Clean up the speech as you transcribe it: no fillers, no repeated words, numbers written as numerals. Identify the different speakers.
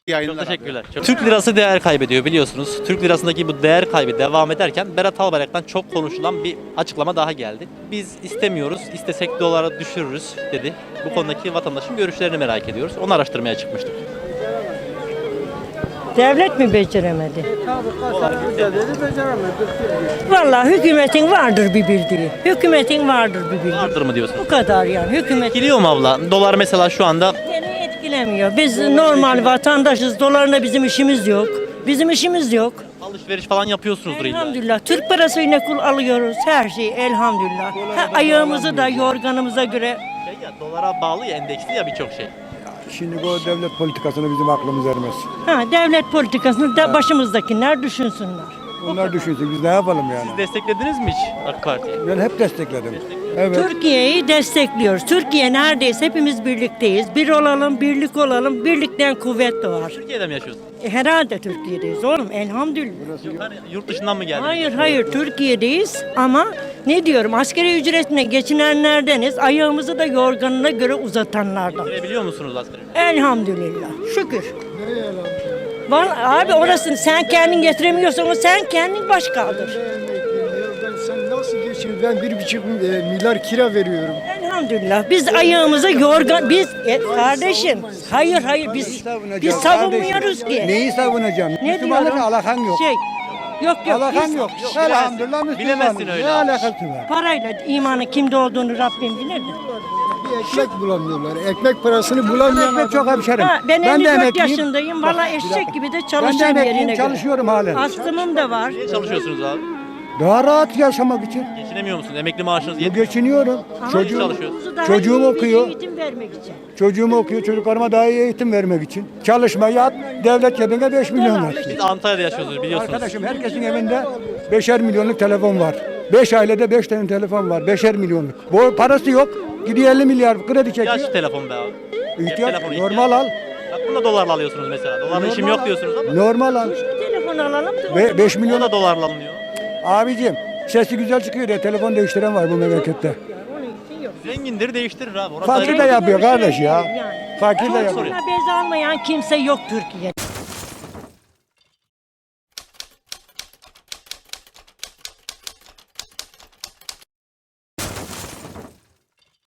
Speaker 1: Çok teşekkürler.
Speaker 2: Türk lirası değer kaybediyor biliyorsunuz. Türk lirasındaki bu değer kaybı devam ederken Berat Albayrak'tan çok konuşulan bir açıklama daha geldi. Biz istemiyoruz, istesek dolara düşürürüz dedi. Bu konudaki vatandaşın görüşlerini merak ediyoruz. Onu araştırmaya çıkmıştık.
Speaker 3: Devlet mi beceremedi? Vallahi hükümetin vardır bir bildiği. Hükümetin vardır bir bildiği.
Speaker 2: Vardır mı diyorsun?
Speaker 3: Bu kadar yani. Hükümet
Speaker 2: Etkiliyor mu abla? Dolar mesela şu anda
Speaker 3: seni etkilemiyor. Biz normal vatandaşız. Dolarla bizim işimiz yok. Bizim işimiz yok.
Speaker 2: alışveriş falan yapıyorsunuzdur illa.
Speaker 3: Elhamdülillah. Türk parasıyla kul alıyoruz. Her şeyi elhamdülillah. Ayağımızı da yorganımıza göre.
Speaker 2: Dolara bağlı ya, endeksli ya birçok şey.
Speaker 4: Şimdi bu devlet politikasını bizim aklımız ermez.
Speaker 3: Devlet politikasını da başımızdakiler düşünsünler.
Speaker 4: Onlar düşünsün, biz ne yapalım yani?
Speaker 2: Siz desteklediniz mi hiç AK Parti'yi?
Speaker 4: Ben hep destekledim. Evet.
Speaker 3: Türkiye'yi destekliyoruz. Türkiye neredeyse hepimiz birlikteyiz. Bir olalım, birlik olalım. Birlikten kuvvet doğar.
Speaker 2: Türkiye'de mi yaşıyorsun?
Speaker 3: Herhalde Türkiye'deyiz oğlum elhamdülillah.
Speaker 2: Hani yurt dışından mı geldin?
Speaker 3: Hayır Türkiye'deyiz ama ne diyorum asgari ücretine geçinenlerdeniz, ayağımızı da yorganına göre uzatanlardan.
Speaker 2: Biliyor musunuz asgari?
Speaker 3: Elhamdülillah şükür. Vallahi abi orasını sen kendin getiremiyorsan o sen kendin baş kaldır.
Speaker 5: Sen nasıl geçiyorsun? Ben 1,5 milyar kira veriyorum.
Speaker 3: Elhamdülillah biz ayağımıza yorgan kardeşim hayır biz savunmuyoruz ki.
Speaker 4: Neyi savunacağım?
Speaker 3: Ne
Speaker 4: Müslümanlıkla
Speaker 3: diyorum?
Speaker 4: alakan yok.
Speaker 3: Yok
Speaker 4: Alakan
Speaker 3: biz-
Speaker 4: yok. Elhamdülillah Müslümanız.
Speaker 2: Bilemezsin öyle
Speaker 4: Ne
Speaker 2: abi.
Speaker 4: alakası var?
Speaker 3: Parayla imanın kimde olduğunu Rabbim bilirdi.
Speaker 5: Bir ekmek bulamıyorlar. Ekmek parasını bulamayan
Speaker 4: Ekmek çok hemşerim.
Speaker 3: Ben 54
Speaker 4: emekliyim.
Speaker 3: yaşındayım. Valla eşek gibi de
Speaker 4: Ben de
Speaker 3: çalışıyorum
Speaker 4: emekliyim,
Speaker 3: yerine göre.
Speaker 4: çalışıyorum halen.
Speaker 3: Astımım da var.
Speaker 2: Niye çalışıyorsunuz abi?
Speaker 4: Daha rahat yaşamak için.
Speaker 2: Geçinemiyor musunuz? Emekli maaşınız yetmiyor.
Speaker 4: Geçiniyorum.
Speaker 3: Ama
Speaker 4: Çocuğum,
Speaker 2: çalışıyorsun.
Speaker 3: daha
Speaker 4: çocuğum
Speaker 3: iyi bir
Speaker 4: okuyor.
Speaker 3: Eğitim vermek için.
Speaker 4: çocuğum okuyor. Çocuklarıma daha iyi eğitim vermek için. Çalışma yat. Devlet cebine 5 milyon ver.
Speaker 2: Siz Antalya'da yaşıyorsunuz biliyorsunuz.
Speaker 4: Arkadaşım herkesin evinde 5'er milyonluk telefon var. 5 ailede 5 tane telefon var. 5'er milyonluk. Bu parası yok. Gidiyor 50 milyar kredi çekiyor.
Speaker 2: İhtiyaç telefon be abi.
Speaker 4: İhtiyaç,
Speaker 2: telefonu
Speaker 4: normal al.
Speaker 2: Bak bunu da dolarla alıyorsunuz mesela. Dolarla işim yok diyorsunuz ama.
Speaker 4: Normal al.
Speaker 3: Telefon alalım da.
Speaker 4: Ve 5
Speaker 2: O
Speaker 4: milyon
Speaker 2: da dolarla alınıyor.
Speaker 4: abicim sesi güzel çıkıyor diye telefon değiştiren var bu memlekette.
Speaker 3: Onun için yok.
Speaker 2: Zengindir değiştirir abi. Orası
Speaker 4: Fakir
Speaker 2: ayrı.
Speaker 4: de yapıyor kardeş ya.
Speaker 3: Yani.
Speaker 4: Fakir de yapıyor.
Speaker 3: Buna bez almayan kimse yok Türkiye'de.